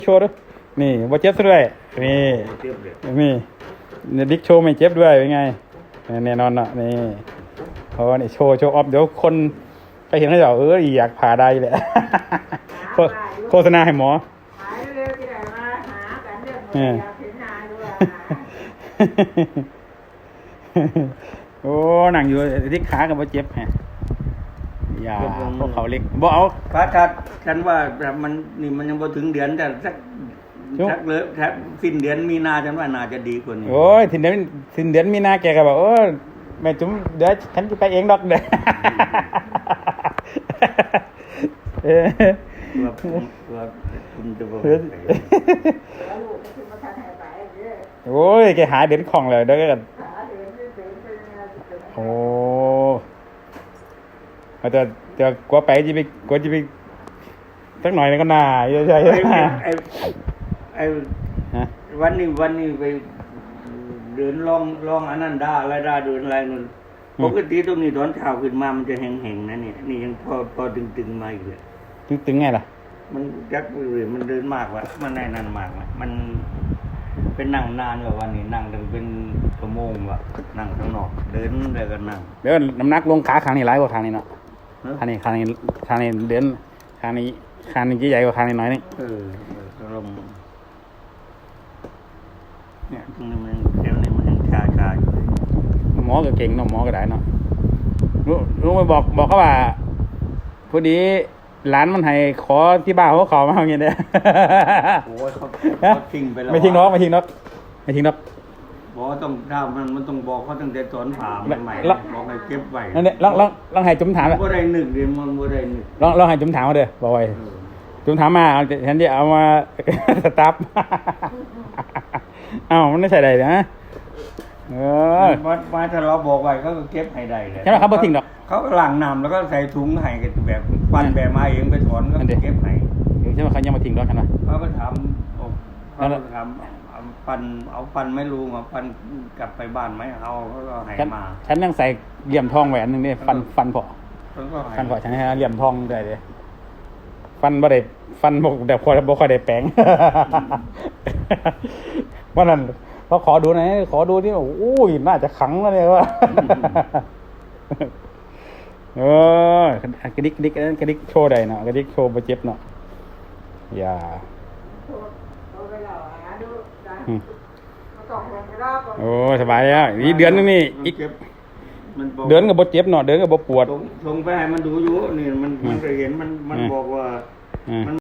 โชว์ด้วยนี่บ่เจ็บด้วยนี่นี่ดิ๊กโชว์ไม่เจ็บด้วยเป็นไงแน่นอนเนาะนี่เพราะว่านี่โชว์ออฟเดี๋ยวคนไปเห็นเขาจะอยากผ่าได้แหละโฆษณาให้หมอหายเร็วที่ไหนมาหากันเรื่องอยากเห็นนายด้วยโอ้หนังอยู่ที่ขากับบ่เจ็บฮะอย่าพวกเขาเล็กบ่เอาพระทัดฉันว่าแบบมันนี่มันยังพอถึงเดือนแต่สักเลยแทบสิ้นเดือนมีนาฉันว่าน่าจะดีกว่านี้โอ้ยสิ้นเดือนมีนาแกก็บอกแม่จุ๋มเดี๋ยวฉันจะไปเองดอกเด้ว่าคุณจะบอกโอ้ยแกหาเด่นของเลยเด้อกันโอ้แต่กลัวไปจะไปสักหน่อยนึงก็น่าใช่ไอ้วันนี้ไปเดินลองอันนั้นได้อะไรได้เดินอะไรนู่นปกติตรงนี้ตอนเช้าขึ้นมามันจะแห้งๆนะนี่ยังพอตึงมาอีกเลยตึงไงล่ะมันยักเลยมันเดินมากว่ะมันได้นานมากว่ะมันเป็นนั่งนานกว่าวันนี้นั่งถึงเป็นชั่วโมงว่ะนั่งข้างนอกเดินแล้วก็นั่งเดี๋ยวน้ำหนักลงขาข้างนี้หลายกว่าข้างนี้เนาะข้างนี้เดินข้างนี้ใหญ่กว่าข้างนี้น้อยนึงลมเนี่ยตรงนี้มันเดี๋ยวนี้มันยังชาอยู่หมอก็เก่งเนาะหมอก็ได้เนาะรู้ไปบอกเขาว่าพอดีร้านมันให้ขอที่บ้านเขามาอย่างเงี้ยเนี่ยโอ้ยเขาทิ้งไปแล้วไม่ทิ้งนกบอกต้องถ้ามันต้องบอกเขาตั้งแต่ตอนผ่าใหม่บอกให้เก็บไว้นั่นเนี่ยลองให้จุ๋มถามบ่ได้นึกเดี๋ยวมันบ่ได้นึกลองให้จุ๋มถามมาเด้อบอกไว้จุ๋มถามมาฉันจะเอามาสตาร์ฟมันไม่ใช่ใดนะมาถ้าเราบอกไว้เขาก็เก็บให้ได้เลยใช่ไหมครับบ่ทิ้งดอกเขาก็ล้างน้ำแล้วก็ใส่ถุงให้กันแบบปั้นแบบมาเองไปถอนก็เก็บให้ใช่ไหมเขายังมาทิ้งดอกกันวะเขาก็ทำปั้นไม่รู้มาปั้นกลับไปบ้านไหมเอาเขาก็ให้มาฉันยังใส่เหลี่ยมทองแหวนนึงนี่ฟันพอฉันให้เหลี่ยมทองได้เลยฟันบ่ได้ฟันบอกแบบบ่ค่อยได้แปลงว่านั้นเขาขอดูหน่อยขอดูนี่โอ้ยน่าจะขังแล้วเนี่ยว่ากระดิกโชว์ได้เนาะกระดิกโชว์บ่เจ็บเนาะอย่าโอ้สบายแล้วนี่เดือนนึงนี่อีกเดินกับบ่เจ็บเนาะเดินกับบ่ปวดส่งไปให้มันดูอยู่นี่มันก็เห็นมันบอกว่า